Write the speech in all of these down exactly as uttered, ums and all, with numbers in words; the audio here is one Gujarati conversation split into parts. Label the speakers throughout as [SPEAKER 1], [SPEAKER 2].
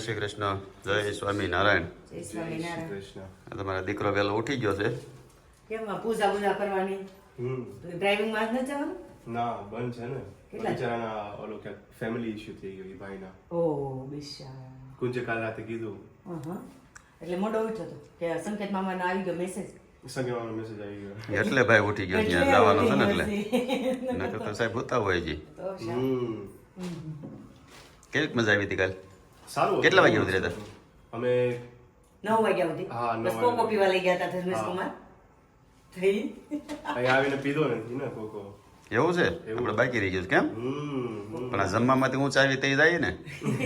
[SPEAKER 1] શ્રી કૃષ્ણ. જય સ્વામિનારાયણ.
[SPEAKER 2] જય સ્વામિનારાયણ.
[SPEAKER 3] કૃષ્ણ.
[SPEAKER 1] આ તમારો દીકરો વહેલો ઉઠી ગયો છે.
[SPEAKER 2] કેમ આ પૂજા પૂજા કરવાની
[SPEAKER 3] હમ
[SPEAKER 2] તો ડ્રાઇવિંગ માં જ ન જવાનું?
[SPEAKER 3] ના બંધ છે ને
[SPEAKER 2] કેટલા?
[SPEAKER 3] બિચારાના ઓલો કે ફેમિલી ઇશ્યુ થઈ ગયો એ ભાઈના.
[SPEAKER 2] ઓ બિચારા.
[SPEAKER 3] કુંજે કાલ રાતે કીધું
[SPEAKER 2] અહં. એટલે મોડો ઉઠ્યો તો કે સંકેત મામાનો આવી ગયો મેસેજ.
[SPEAKER 3] સંગેવાનો મેસેજ આવી ગયો.
[SPEAKER 1] એટલે ભાઈ ઉઠી ગયો ત્યાં
[SPEAKER 2] એટલે
[SPEAKER 1] જવાનો છે ને
[SPEAKER 2] ઉઠી
[SPEAKER 1] એટલે
[SPEAKER 2] ગયો
[SPEAKER 1] નકર તો સાહેબ હોતા હોય જી.
[SPEAKER 2] તો શા?
[SPEAKER 3] હમ
[SPEAKER 1] કેવી મજા આવી હતી કાલ?
[SPEAKER 3] સારું હતું.
[SPEAKER 1] કેટલા વાગે ઉતર્યા હતા?
[SPEAKER 3] અમે
[SPEAKER 2] નવ વાગ્યા સુધી
[SPEAKER 3] હા, નવ
[SPEAKER 2] બસ કોકો
[SPEAKER 3] વાગ્યા.
[SPEAKER 2] પીવા લઈ ગયા હતા ધર્મેશ
[SPEAKER 3] હા.
[SPEAKER 2] કુમાર થઈ
[SPEAKER 3] અહીં આવીને પીધો નથી ને કોકો.
[SPEAKER 1] એવું છે આપણે બાકી રહી ગયું છે કેમ?
[SPEAKER 3] હમ
[SPEAKER 1] પણ આ જમવામાંથી ઊંચા આવી તે જાય ને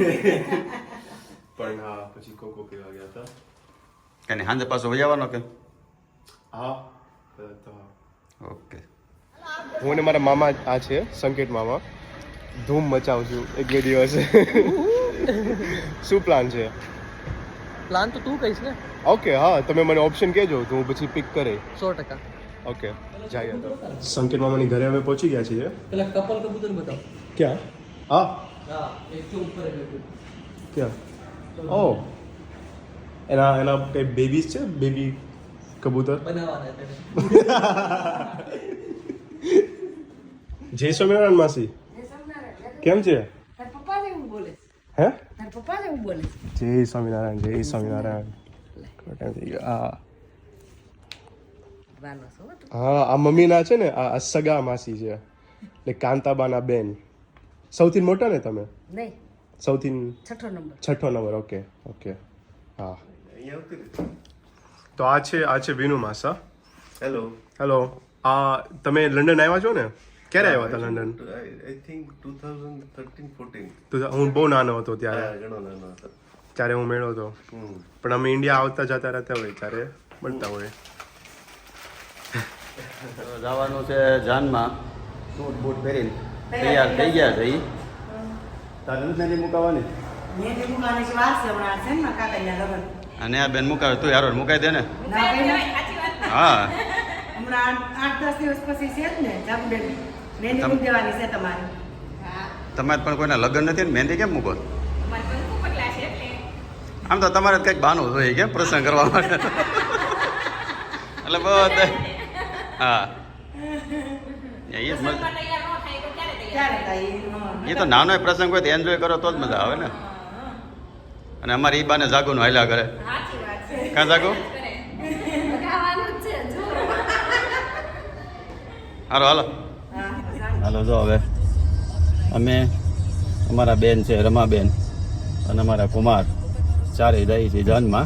[SPEAKER 3] પણ હા પછી કોકો પીવા ગયા હતા.
[SPEAKER 1] કે સાંજે પાછો વહી આવવાનો કે?
[SPEAKER 3] હા કદાચ તો હા.
[SPEAKER 1] ઓકે.
[SPEAKER 3] હું ને મારા મામા આ છે સંકેત મામા ધૂમ મચાવું છું એક બે દિવસ. શું પ્લાન છે?
[SPEAKER 4] પ્લાન તો તું કહીશ ને.
[SPEAKER 3] ઓકે હા તમે મને ઓપ્શન કહેજો તો હું પછી પિક કરે.
[SPEAKER 4] સો ટકા.
[SPEAKER 3] ઓકે જઈએ તો. સંકેત મામાની ઘરે હવે પહોંચી ગયા છીએ.
[SPEAKER 4] પેલા કપલ કબૂતર બતાવ.
[SPEAKER 3] ક્યાં? હા
[SPEAKER 4] હા એક તો ઉપર જ
[SPEAKER 3] ક્યાં? ઓ એના એના કઈ બેબીઝ છે બેબી કબૂતર.
[SPEAKER 4] બનાવવાના તેને.
[SPEAKER 3] જય સ્વામિનારાયણ માસી કેમ છે?
[SPEAKER 2] તાર પપ્પા જેવું બોલે
[SPEAKER 3] હે
[SPEAKER 2] તાર પપ્પા જેવું બોલે
[SPEAKER 3] જય સ્વામિનારાયણ જય સ્વામિનારાયણ. કેટલો time થઈ ગયો? હા
[SPEAKER 2] વાલો છો તું.
[SPEAKER 3] હા આ મમ્મીના છે ને આ સગા માસી છે એટલે કાંતાબાના બેન. સૌથી મોટા ને તમે?
[SPEAKER 2] નહીં
[SPEAKER 3] સૌથી
[SPEAKER 2] છઠ્ઠો નંબર.
[SPEAKER 3] છઠ્ઠો નંબર. ઓકે ઓકે હા. તો આ છે આ છે વિનુ માસા.
[SPEAKER 5] હેલો.
[SPEAKER 3] હેલો. આ તમે લંડન આવ્યા છો ને? ક્યારે આવ્યા હતા London?
[SPEAKER 5] I think two thousand thirteen fourteen.
[SPEAKER 3] તો હું બહુ નાનો હતો ત્યારે
[SPEAKER 5] ઘણો નાનો હતો.
[SPEAKER 3] ત્યારે હું મેળો હતો
[SPEAKER 5] હમ.
[SPEAKER 3] પણ અમે ઇન્ડિયા આવતા જતા રહેતા હોય ત્યારે મળતા હોય.
[SPEAKER 1] તો જવાનું છે જાનમાં સૂટ બૂટ પહેરીને તૈયાર થઈ ગયા છે ઈ. તારે નથી નથી મુકાવાની
[SPEAKER 2] મેં તે મુકાની છે વાર છે હમણાં છે ને મારા કાકાના લગ્ન.
[SPEAKER 1] અને આ બેન મુકાવે તું યાર મુકાઈ દે ને.
[SPEAKER 2] ના ભાઈ
[SPEAKER 1] હા
[SPEAKER 2] હમણાં આઠ- આઠ દસ દિવસ પછી છે જ ને જાગુબેન મહેંદી મૂકી દેવાની છે તમારે.
[SPEAKER 1] તમારે પણ કોઈના લગ્ન નથી ને મહેંદી કેમ મૂકો? આમ તો તમારે કંઈક બહાનું જોઈએ કેમ પ્રસંગ કરવા માટે એટલે બધે હા એ જ મજા.
[SPEAKER 2] ક્યારે થાય એ? હં.
[SPEAKER 1] એ તો નાનો પ્રસંગ હોય તો એન્જોય કરો તો જ મજા આવે ને. અને અમારે ઈ બાને જાગોનું હાલ્યા કરે. કાં જાગો? હાલો હાલો
[SPEAKER 2] હા,
[SPEAKER 1] હાલો જો હવે અમે અમારા બેન છે રમાબેન અને અમારા કુમાર ચારેય જાય છે જાનમાં.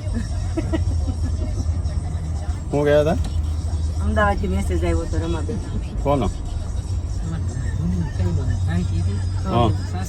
[SPEAKER 1] શું ગયા હતા?
[SPEAKER 2] અમદાવાદથી મેસેજ આવ્યો હતો રમાબેન.
[SPEAKER 1] કોનો? હા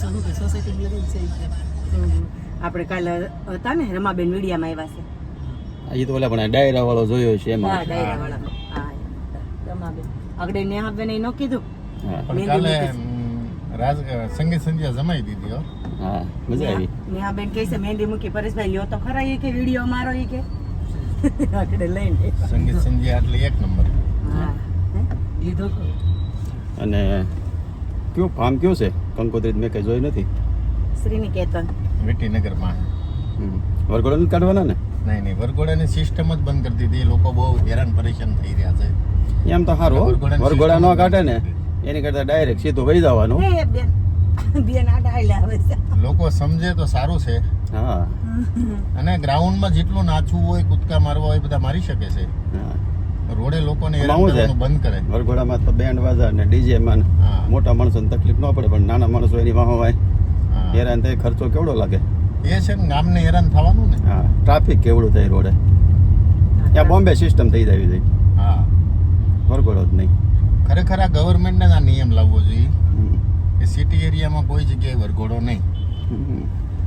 [SPEAKER 2] આપણે કાલે હતા ને રમાબેન મીડિયામાં આવ્યા છે.
[SPEAKER 1] એ તો ઓલા પણ ડાયરા વાળો જોયો છે
[SPEAKER 2] હા
[SPEAKER 1] એમાં.
[SPEAKER 2] ડાયરા વાળા. હા રમાબેન આગળ નેહાબેન એ ન કીધું.
[SPEAKER 1] હા
[SPEAKER 2] મહેંદી
[SPEAKER 6] કાલે
[SPEAKER 2] મૂકી.
[SPEAKER 6] રાજ સંગીત સંધ્યા જમાઈ દીધી હો.
[SPEAKER 1] હા મજા આવી.
[SPEAKER 2] નેહાબેન કહે છે મહેંદી મૂકી પરેશભાઈ લ્યો તો ખરા એ કે વિડીયો મારો એ કે આગળ લઈને.
[SPEAKER 6] સંગીત સંધ્યા એટલે એક નંબર.
[SPEAKER 2] હા લીધો
[SPEAKER 1] અને કયું ફાર્મ કયું છે કંકોત્રી મેં કઈ જોઈ નથી.
[SPEAKER 2] શ્રીનિકેતન.
[SPEAKER 6] વિટીનગરમાં.
[SPEAKER 1] હમ. વરઘોડા નથી કાઢવાના ને?
[SPEAKER 6] નહીં નહીં વરઘોડાની સિસ્ટમ જ બંધ કરી દીધી. લોકો બહુ હેરાન પરેશાન થઈ રહ્યા છે.
[SPEAKER 1] એમ તો સારું હો.
[SPEAKER 6] વરઘોડાની
[SPEAKER 1] વરઘોડા ન
[SPEAKER 6] system
[SPEAKER 1] કાઢે ને
[SPEAKER 6] બંધ
[SPEAKER 1] એની કરતા ડાયરેક્ટ સીધું વહી જવાનું.
[SPEAKER 2] એ બેન બેન આ ડાયલા આવે છે.
[SPEAKER 6] લોકો સમજે તો સારું છે.
[SPEAKER 1] હા
[SPEAKER 6] અને ગ્રાઉન્ડમાં જેટલું નાચવું હોય કૂદકા મારવા હોય બધા મારી શકે છે.
[SPEAKER 1] હા.
[SPEAKER 6] રોડે લોકોને
[SPEAKER 1] આમાં
[SPEAKER 6] હેરાન
[SPEAKER 1] શું છે?
[SPEAKER 6] કરવાનું બંધ કરે.
[SPEAKER 1] વરઘોડામાં તો બેન્ડ વાજા ને ડીજે માં
[SPEAKER 6] હા.
[SPEAKER 1] મોટા માણસોને તકલીફ ન પડે પણ નાના માણસો એની વાહ હોય
[SPEAKER 6] હા.
[SPEAKER 1] હેરાન થાય. ખર્ચો કેવડો લાગે.
[SPEAKER 6] એ છે ને ગામને હેરાન થવાનું ને.
[SPEAKER 1] હા ટ્રાફિક કેવડું થાય રોડે. ત્યાં બોમ્બે સિસ્ટમ થઈ જાય છે
[SPEAKER 6] હા
[SPEAKER 1] વરઘોડો જ નહીં.
[SPEAKER 6] ખરેખર આ ગવર્મેન્ટને આ નિયમ લાવવો જોઈએ
[SPEAKER 1] હમ.
[SPEAKER 6] કે સિટી એરિયામાં કોઈ જગ્યાએ વરઘોડો નહીં.
[SPEAKER 1] હમ.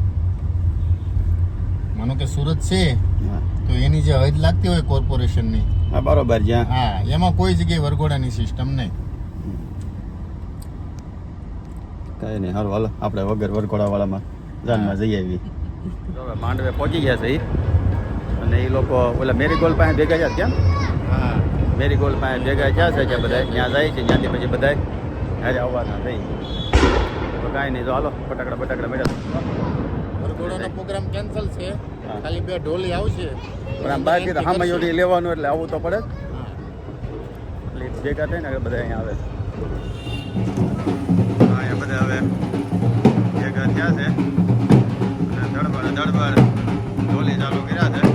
[SPEAKER 6] માનો કે સુરત છે
[SPEAKER 1] હા.
[SPEAKER 6] તો એની જે હદ લાગતી હોય કોર્પોરેશનની
[SPEAKER 1] હા બરોબર જ્યાં
[SPEAKER 6] હા એમાં કોઈ જગ્યાએ વરઘોડાની સિસ્ટમ નહીં.
[SPEAKER 1] કઈ નહીં સારું હાલો આપણે વગર વરઘોડા વાળામાં જાનમાં જઈ આવી. માંડવે પહોંચી ગયા છે ઈ. અને એ લોકો ઓલા મેરીગોલ્ડ પાસે ભેગા થયા કેમ?
[SPEAKER 6] હા
[SPEAKER 1] મેરીગોલ્ડ પાસે ભેગા થયા છે કે બધા ત્યાં જાય છે ત્યાંથી પછી બધા હારે આવવાના થઈ. તો કાંઈ નહીં તો હાલો ફટાકડા ફટાકડા મેળવ્યા.
[SPEAKER 6] ઘોડાનો પ્રોગ્રામ કેન્સલ છે ખાલી બે ઢોલી આવશે
[SPEAKER 1] પણ આમ બાકી તો હામાં યોડી લેવાનું એટલે આવવું તો પડે જ. એટલે ભેગા થાય ને એટલે બધા અહીંયા આવે છે. હા અહીંયા બધા હવે ભેગા થયા છે અને દડબડ દડબડ ઢોલી ચાલુ કર્યા છે.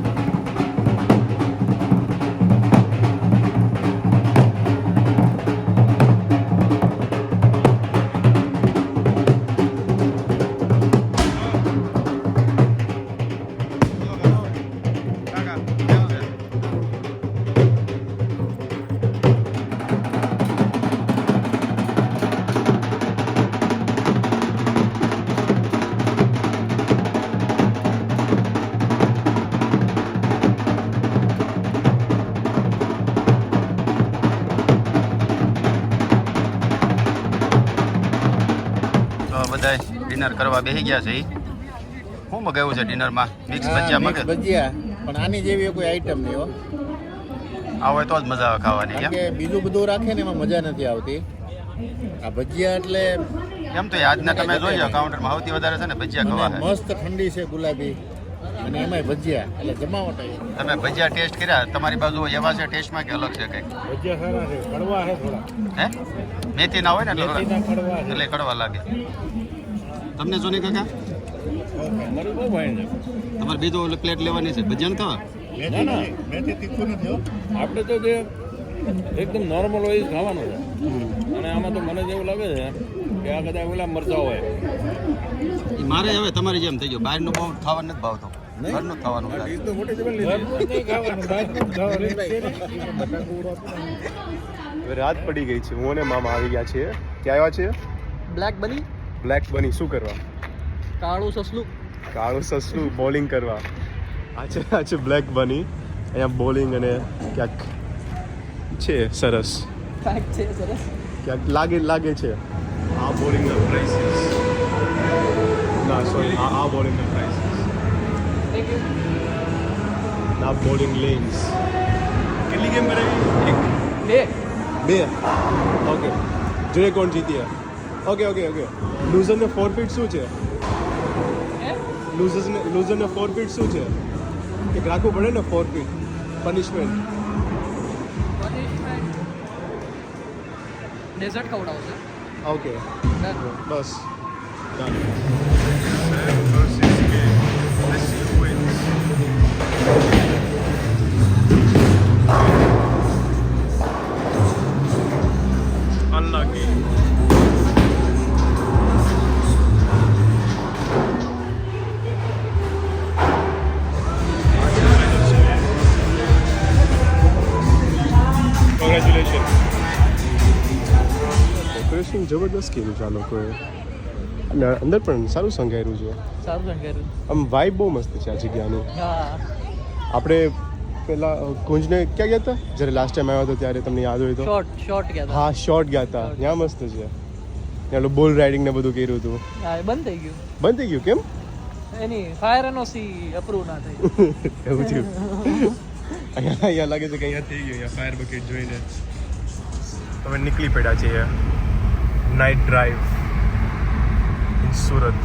[SPEAKER 1] બધા ડિનર કરવા બેસી ગયા છે. શું મગાવ્યું છે ડિનરમાં? મિક્સ ભજીયા
[SPEAKER 6] મિક્સ
[SPEAKER 1] મગાવ્યું.
[SPEAKER 6] ભજીયા પણ આની જેવી કોઈ આઈટમ નહીં હો
[SPEAKER 1] આવે તો જ મજા આવે ખાવાની.
[SPEAKER 6] કારણ
[SPEAKER 1] કેમ
[SPEAKER 6] કે બીજું બધું રાખે ને એમાં મજા નથી આવતી આ ભજીયા એટલે
[SPEAKER 1] કેમ તો આજના તમે જોઈ કાઉન્ટરમાં સૌથી વધારે છે ને ભજીયા ખવા
[SPEAKER 6] મને
[SPEAKER 1] છે.
[SPEAKER 6] મસ્ત ઠંડી છે ગુલાબી અને એમાંય ભજીયા એટલે જમાવટ આવી.
[SPEAKER 1] તમે ભજીયા ટેસ્ટ કર્યા? તમારી બાજુ એવા છે ટેસ્ટમાં કે અલગ છે કંઈક?
[SPEAKER 6] ભજીયા સારા છે કડવા છે થોડા
[SPEAKER 1] હે મેથી ના હોય ને એટલે
[SPEAKER 6] મેથીના કડવા છે.
[SPEAKER 1] એટલે કડવા લાગે. તમને શું નહીં કાકા?
[SPEAKER 6] મારું બહુ ભાઈ છે
[SPEAKER 1] તમારે બીજું ઓલી પ્લેટ લેવાની છે ભજીયા ખાવા?
[SPEAKER 6] મેથી મેથી તીખું નથી હો
[SPEAKER 7] આપણે તો જે એકદમ નોર્મલ હોય એ જ ખાવાનું છે અને આમાં તો મને જેવું લાગે છે કે આ કદાચ ઓલા મરચા હોય.
[SPEAKER 1] ઈ મારે હવે તમારી જેમ થઈ ગયું. બહારનું બહુ ખાવાનું નથી ભાવતું, ઘરનું જ ખાવાનું છે.
[SPEAKER 7] તો મોટી જબર લીધી.
[SPEAKER 3] હવે રાત પડી ગઈ છે. હું અને મામા આવી ગયા છીએ. ક્યાં આવ્યા છીએ?
[SPEAKER 4] બ્લેક બની
[SPEAKER 3] બ્લેક બની શું કરવા?
[SPEAKER 4] કાળું સસલું
[SPEAKER 3] કાળું સસલું બોલિંગ કરવા. આ છે આ છે બ્લેક બની. અહીંયા બોલિંગ અને ક્યાંક છે સરસ,
[SPEAKER 4] ફેક્ટ છે સરસ.
[SPEAKER 3] ક્યાંક લાગે લાગે છે. આ બોલિંગના પ્રાઇસીસ ના સોરી આ આ બોલિંગના પ્રાઇસીસ ના બોલિંગ લેન્સ. કેટલી ગેમ કરાવી? એક
[SPEAKER 4] બે
[SPEAKER 3] બે ઓકે. જોઈએ કોણ જીત્યા. Okay okay okay. લૂઝરને ફોરફીટ શું છે? લૂઝર્સને લૂઝરને ફોરફીટ શું છે? એક રાખવું પડે ને ફોરફીટ પનિશમેન્ટ.
[SPEAKER 4] ડેઝર્ટ ખવડાવશે.
[SPEAKER 3] ઓકે બસ અનલકી. કોંગ્રેચ્યુલેશન. ડેકોરેશન જબરદસ્ત કર્યું છે આ લોકોએ અને અંદર પણ સારું સંઘાર્યું છે.
[SPEAKER 4] સારું સંકેલું.
[SPEAKER 3] આમ વાઇબ બહુ મસ્ત છે આ જગ્યાની.
[SPEAKER 4] હા
[SPEAKER 3] આપણે પેલા કુંજને ક્યાં ગયા હતા જ્યારે લાસ્ટ ટાઈમ આવ્યા હતા ત્યારે? તમને યાદ હોય તો
[SPEAKER 4] શોર્ટ શોર્ટ ગયા હતા.
[SPEAKER 3] હા શોર્ટ ગયા હતા. ત્યાં મસ્ત છે. ત્યાં બોલ રાઇડિંગ ને બધું કર્યું હતું.
[SPEAKER 4] હા એ બંધ થઈ ગયું.
[SPEAKER 3] બંધ થઈ ગયું કેમ?
[SPEAKER 4] એની ફાયર એનઓસી અપ્રૂવ ના થઈ.
[SPEAKER 3] એવું થયું. અહીંયા અહીંયા લાગે છે કે અહીંયા થઈ ગયું. અહીંયા ફાયર બકેટ જોઈને તમે નીકળી પડ્યા છીએ નાઇટ ડ્રાઈવ ઇન સુરત.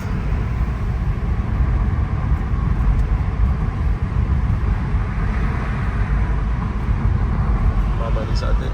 [SPEAKER 3] મામાની સાથે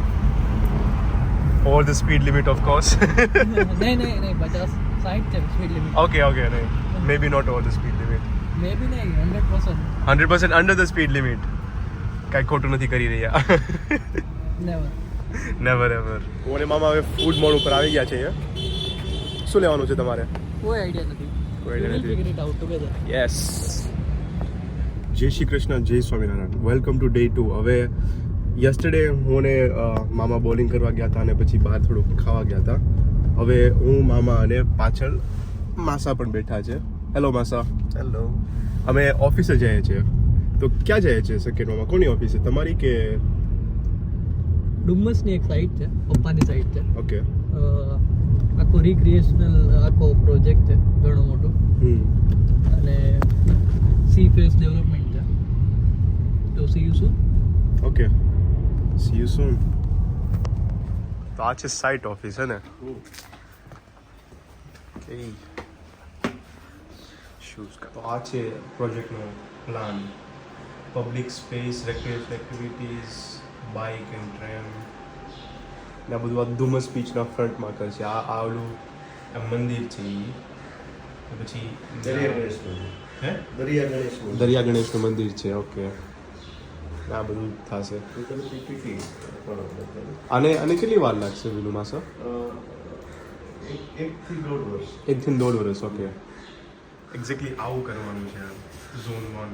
[SPEAKER 3] over the speed limit of course.
[SPEAKER 4] નહીં નહીં નહીં પચાસ સાઠ છે સ્પીડ લિમિટ.
[SPEAKER 3] ઓકે ઓકે નહીં maybe not over the speed limit.
[SPEAKER 4] Maybe નહીં hundred percent
[SPEAKER 3] hundred percent under the speed limit. કાંઈ ખોટું નથી કરી રહ્યા.
[SPEAKER 4] નેવર.
[SPEAKER 3] Never ever. હું અને મામા હવે ફૂડ મોડ ઉપર આવી ગયા છે. શું લેવાનું છે તમારે?
[SPEAKER 4] કોઈ આઈડિયા નથી.
[SPEAKER 3] કોઈ idea નથી.
[SPEAKER 4] Figure it out together.
[SPEAKER 3] Yes. જય શ્રી કૃષ્ણ, જય Swaminarayan. Welcome to day two. હવે યસ્ટરડે હું ને અ, મામા બોલિંગ કરવા ગયા હતા અને પછી બહાર થોડુંક ખાવા ગયા હતા. હવે હું મામા અને પાછળ માસા પણ બેઠા છે. હેલો માસા.
[SPEAKER 5] હેલો.
[SPEAKER 3] અમે ઓફિસે જઈએ છીએ. તો ક્યાં જઈએ છીએ સેકન્ડ મામા? કોની ઓફિસ છે, તમારી કે?
[SPEAKER 4] ડુમ્મસની એક સાઇટ છે, પપ્પાની સાઇટ છે.
[SPEAKER 3] ઓકે.
[SPEAKER 4] અ, આખો રિક્રિએશનલ આખો પ્રોજેક્ટ છે ઘણો મોટો
[SPEAKER 3] હમ
[SPEAKER 4] અને સી ફેસ ડેવલપમેન્ટ છે. તો સી યુ શું
[SPEAKER 3] ઓકે. See you soon. તો આ છે સાઇટ ઓફિસ હે ને? શૂઝ તો આ છે પ્રોજેક્ટનો plan. Public space, recreation activities, bike and train ને આ બધું આ ધુમ્મસ બીચના ફ્રન્ટમાં કરશે. આ આ ઓલું આ મંદિર છે એ પછી
[SPEAKER 5] દરિયા ગણેશ મંદિર.
[SPEAKER 3] હે
[SPEAKER 5] દરિયા ગણેશ મંદિર.
[SPEAKER 3] દરિયા ગણેશનું મંદિર છે. ઓકે, આ બધું થશે.
[SPEAKER 5] ટોટલ પીપીટી પણ
[SPEAKER 3] આને આને કેટલી વાર લાગશે વિલુમાં સર?
[SPEAKER 5] એક એકથી દોઢ વર્ષ.
[SPEAKER 3] એકથી દોઢ વર્ષ. ઓકે, એક્ઝેક્ટલી આવું કરવાનું છે ઝોન વન.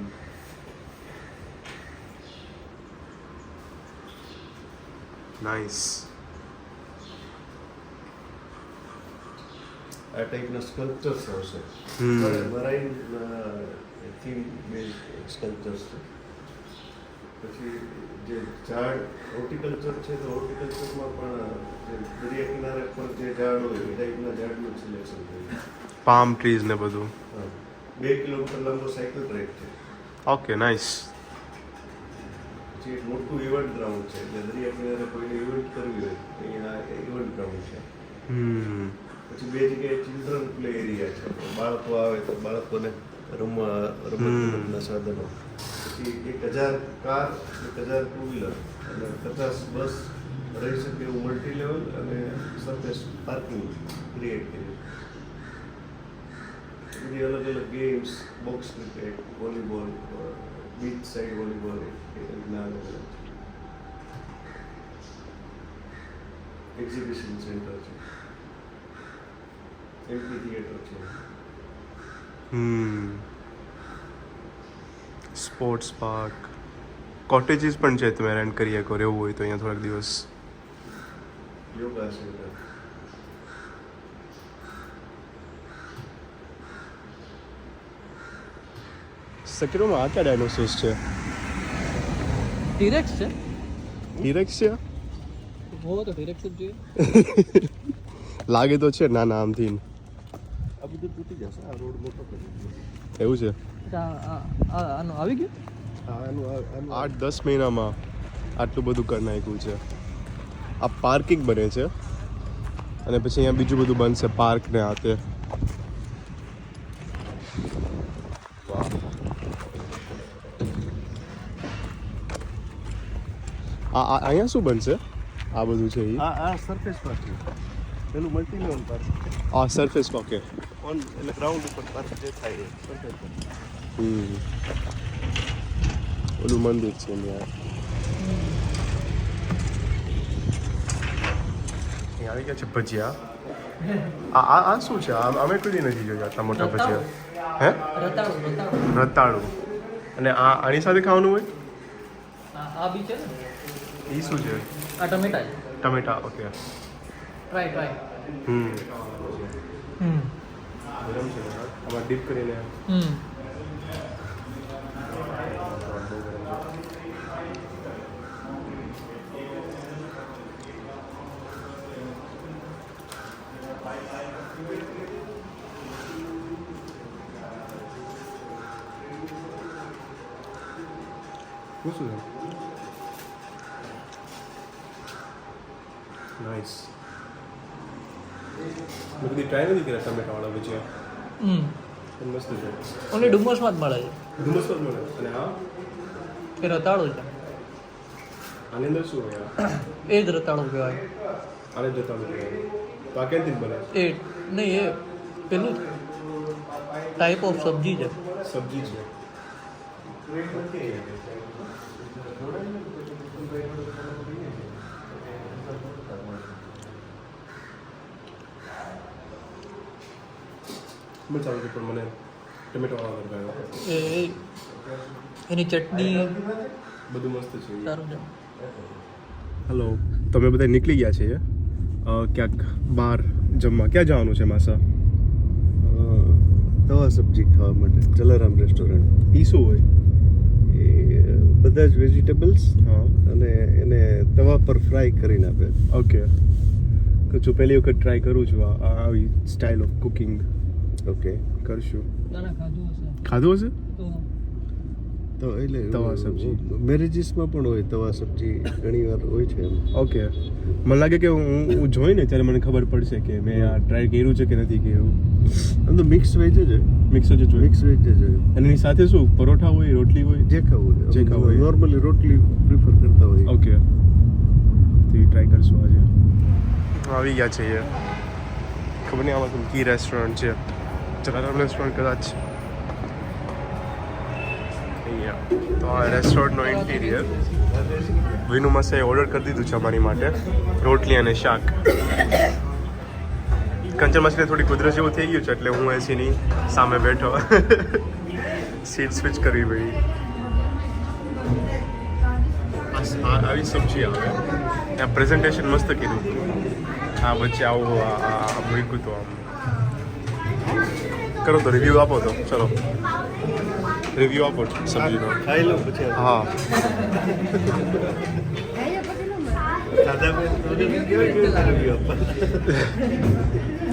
[SPEAKER 3] નાઇસ.
[SPEAKER 5] આ ટાઈપના સ્કલ્પચર્સ આવશે.
[SPEAKER 3] Hmm.
[SPEAKER 5] Marine theme base sculptures છે. પછી જે ઝાડ હોર્ટિકલ્ચર છે તો હોર્ટિકલ્ચરમાં પણ જે દરિયા કિનારે પર જે ઝાડ હોય એ ટાઈપના ઝાડનું સિલેક્શન થયું.
[SPEAKER 3] પામ ટ્રીઝ ને બધું.
[SPEAKER 5] હા, બે કિલોમીટર લાંબો સાયકલ ટ્રેક છે.
[SPEAKER 3] Okay, nice.
[SPEAKER 5] પછી એક મોટું ઇવેન્ટ ગ્રાઉન્ડ છે એટલે દરિયા કિનારે કોઈને ઇવેન્ટ કરવી હોય અહીંયા ઇવેન્ટ ગ્રાઉન્ડ છે.
[SPEAKER 3] હમ.
[SPEAKER 5] પછી બે જગ્યાએ ચિલ્ડ્રન પ્લે એરિયા છે. બાળકો આવે તો બાળકોને રમવા રમતગમતના સાધનો. પછી એક હજાર કાર, એક હજાર ટુ વ્હીલર અને પચાસ બસ રહી શકે એવું મલ્ટી લેવલ અને સરફેસ પાર્કિંગ ક્રિએટ કર્યું. બધી અલગ અલગ games, box cricket, volleyball, beach side volleyball એ રીતના અલગ અલગ એક્ઝિબિશન સેન્ટર છે, એમ્પી થિયેટર છે.
[SPEAKER 3] હમ. સ્પોર્ટ્સ પાર્ક, કોટેજીસ પણ છે. તમે રેન્ટ કરી શકો રહેવું હોય તો અહીંયા થોડાક દિવસ.
[SPEAKER 5] યોગા સેન્ટર.
[SPEAKER 3] સકીરોમાં આ ક્યાં ડાયનોસોર્સ છે?
[SPEAKER 4] ટીરેક્સ છે.
[SPEAKER 3] ડિરેક્સ છે?
[SPEAKER 4] હો તો ટીરેક્સ જ જોઈએ.
[SPEAKER 3] લાગે તો છે નાના આમથી.
[SPEAKER 5] આ બધું તૂટી જશે. આ રોડ મોટો કરી
[SPEAKER 3] એવું છે?
[SPEAKER 4] આ- આ- આ- આનું આવી ગયું.
[SPEAKER 5] આનું આનું
[SPEAKER 3] આઠ દસ મહિનામાં આટલું બધું કરી નાખ્યું છે. આ પાર્કિંગ બને છે અને પછી અહીંયા બીજું બધું બનશે, પાર્ક ને આ તે. વાહ. આ આ- અહીંયા શું બનશે? આ બધું છે ઈ?
[SPEAKER 5] આ આ સરફેસ પાર્કિંગ. પેલું મલ્ટી લેવલ પાર્કિંગ.
[SPEAKER 3] આ સરફેસ ઓકે.
[SPEAKER 5] ઓન એટલે ગ્રાઉન્ડ ઉપર પાર્ક જે થાય એ સરફેસ પાર્કિંગ.
[SPEAKER 3] હમ. ઓલું મંદિર છે ત્યાં. અહીં આવી ગયા છે ભજીયા. આ આ આ શું છે? આ અમે કોઈ દી નથી જોયા આટલા મોટા ભજીયા. હે?
[SPEAKER 4] રતાળું રતાળું
[SPEAKER 3] રતાળું. અને આ આની સાથે ખાવાનું હોય?
[SPEAKER 4] આ આ બી છે ને.
[SPEAKER 3] એ શું છે?
[SPEAKER 4] આ ટમેટા છે.
[SPEAKER 3] ટમેટા. Okay.
[SPEAKER 4] Try try.
[SPEAKER 3] Hmm.
[SPEAKER 4] Hmm
[SPEAKER 3] ગરમ છે આમાં ડીપ કરીને.
[SPEAKER 4] હમ
[SPEAKER 3] શું શું છે? નાઇસ. મેં કદી ટ્રાય નથી કર્યા ટમેટાવાળા ભજીયા.
[SPEAKER 4] હમ
[SPEAKER 3] પણ મસ્ત છે.
[SPEAKER 4] ઓનલી ડુમસમાં જ મળે છે.
[SPEAKER 3] ધુમ્મસ પર મળે. અને આ
[SPEAKER 4] એ રતાળું છે.
[SPEAKER 3] આની અંદર શું હોય?
[SPEAKER 4] એ જ રતાળું કહેવાય.
[SPEAKER 3] આને જતા નથી. તો આ ક્યાંથી બને?
[SPEAKER 4] એ નહીં એ પેલું ટાઈપ ઓફ સબ્જી છે.
[SPEAKER 3] સબ્જી છે. મજા આવે છે પણ મને ટમેટો વાળા ગરબા
[SPEAKER 4] એ એ- એની ચટણી
[SPEAKER 3] બધું મસ્ત છે.
[SPEAKER 4] સારું છે.
[SPEAKER 3] હેલો, તમે બધા નીકળી ગયા છે અ, ક્યાંક બહાર જમવા. ક્યાં જવાનું છે માસા?
[SPEAKER 5] તવા સબ્જી ખાવા માટે જલારામ રેસ્ટોરન્ટ.
[SPEAKER 3] એ શું હોય?
[SPEAKER 5] એ બધા જ વેજીટેબલ્સ
[SPEAKER 3] હા.
[SPEAKER 5] અને એને તવા પર ફ્રાય કરીને આપે.
[SPEAKER 3] ઓકે. તો જો પહેલી વખત ટ્રાય કરું છું આ આ આવી સ્ટાઇલ ઓફ કુકિંગ.
[SPEAKER 5] ઓકે.
[SPEAKER 3] કરશું.
[SPEAKER 4] ના ના ખાધું હશે
[SPEAKER 3] ખાધું હશે?
[SPEAKER 4] તો
[SPEAKER 5] તો એટલે
[SPEAKER 3] તવા સબ્જી.
[SPEAKER 5] મેરેજીસમાં પણ હોય તવા સબ્જી ઘણી વાર હોય છે એમ.
[SPEAKER 3] ઓકે, મને લાગે કે હું હું જોઈને ત્યારે મને ખબર પડશે કે મેં આ ટ્રાય કર્યું છે કે નથી કર્યું.
[SPEAKER 5] આમ તો મિક્સ વેજ જ હોય,
[SPEAKER 3] મિક્સ જ જોઈએ.
[SPEAKER 5] મિક્સ વેજ જ હોય,
[SPEAKER 3] અને એની સાથે શું પરોઠા હોય, રોટલી હોય?
[SPEAKER 5] જે ખાવું હોય.
[SPEAKER 3] જે ખાવું હોય.
[SPEAKER 5] નોર્મલી રોટલી પ્રિફર કરતા હોય.
[SPEAKER 3] ઓકે, તો એ ટ્રાય કરશું આજે. આવી ગયા છે એ ખબર નહીં આમાં કી રેસ્ટોરન્ટ છે, જલારામ રેસ્ટોરન્ટ કદાચ. અહીંયા તો આ રેસ્ટોરન્ટનો ઇન્ટિરિયર વિનુ માસે ઓર્ડર કરી દીધું છે અમારી માટે, રોટલી અને શાક. કંચન માસને થોડી કુદરત જેવું થઈ ગયું છે એટલે હું એસીની સામે બેઠો સીટ સ્વિચ કરવી પડી. આ- આવી સબ્જી આવે, ત્યાં પ્રેઝન્ટેશન મસ્ત કીધું. હા વચ્ચે આવું આ આ મૂક્યું તો આમ. કરો તો રિવ્યૂ આપો તો, ચલો રિવ્યૂ આપો સબ્જીનો.
[SPEAKER 5] ખાઈ લો પછી
[SPEAKER 3] હા
[SPEAKER 5] દાદા ભાઈ કેવી કેવી review આપવા?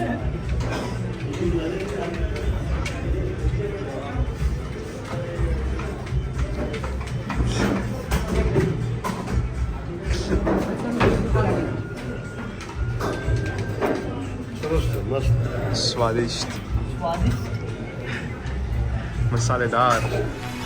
[SPEAKER 5] સરસ છે, મસ્ત.
[SPEAKER 3] સ્વાદિષ્ટ મસાલેદાર.